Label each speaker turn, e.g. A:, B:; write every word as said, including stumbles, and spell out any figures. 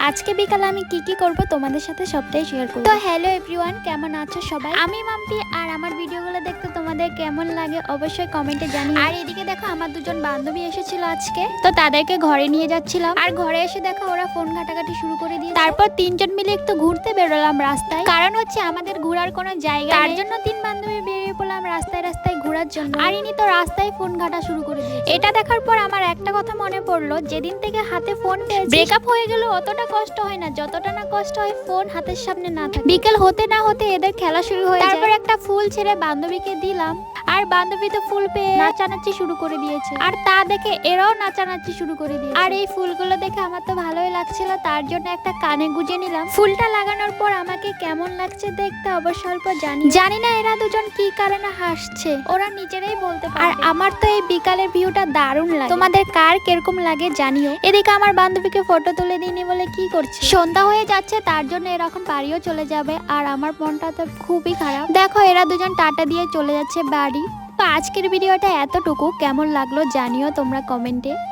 A: আজকে বিকালে আমি কি কি করব তোমাদের সাথে সবটাই শেয়ার করব। তো হ্যালো এভরিওয়ান, কেমন আছো সবাই? আমি মাম্পি, আর আমার ভিডিওগুলো দেখতে তোমাদের কেমন লাগে অবশ্যই কমেন্টে জানিও। আর এদিকে দেখো আমার দুজন বান্ধবী এসেছিল আজকে, তো তাদেরকে ঘরে নিয়ে যাচ্ছিলাম। আর ঘরে এসে দেখো ওরা ফোন ঘাটাঘাটি শুরু করে দিয়ে, তারপর তিনজন মিলে একটু ঘুরতে বেরোলাম রাস্তায়, কারণ হচ্ছে আমাদের ঘোরার কোনো জায়গা তার জন্য তিন বান্ধবী বেরিয়ে পড়লাম রাস্তায় রাস্তায় ঘোরার জন্য। আর ইনি তো রাস্তায় ফোন ঘাটা শুরু করে দিয়েছে। এটা দেখার পর আমার একটা কথা মনে পড়লো, যেদিন থেকে হাতে ফোন পেয়েছি ব্রেকআপ হয়ে গেল অতটা কষ্ট হয় না যতটা না কষ্ট হয় ফোন হাতের সামনে না থাকে। বিকেল হতে না হতে এদের খেলা শুরু হয়ে যায়। তারপর একটা ফুল ছেড়ে বান্ধবীকে দিলাম, আর বান্ধবী তো ফুল পেয়ে নাচানাচি শুরু করে দিয়েছে, আর তা দেখে এরাও নাচানাচি শুরু করে দিয়েছে। আর এই ফুলগুলো দেখে আমার তো ভালোই লাগছিল, তার জন্য একটা কানে গুজে নিলাম। ফুলটা লাগানোর পর আমাকে কেমন লাগছে দেখতে অবশ্য অল্প জানি জানি না এরা দুজন কি কারণে হাসছে, ওরা নিজেরাই বলতে পারে। আর আমার তো এই বিকালের ভিউটা দারুণ লাগে, তোমাদের কার কিরকম লাগে জানিও। এদিকে আমার বান্ধবীকে ফটো তুলে দিইনি বলে কি করছে, সন্ধ্যা হয়ে যাচ্ছে তার জন্য এরা এখন বাড়িও চলে যাবে, আর আমার মনটা তো খুবই খারাপ। দেখো এরা দুজন টাটা দিয়ে চলে যাচ্ছে বাড়ি। তো আজকের ভিডিওটা এতটুকু, কেমন লাগলো জানিও তোমরা কমেন্টে।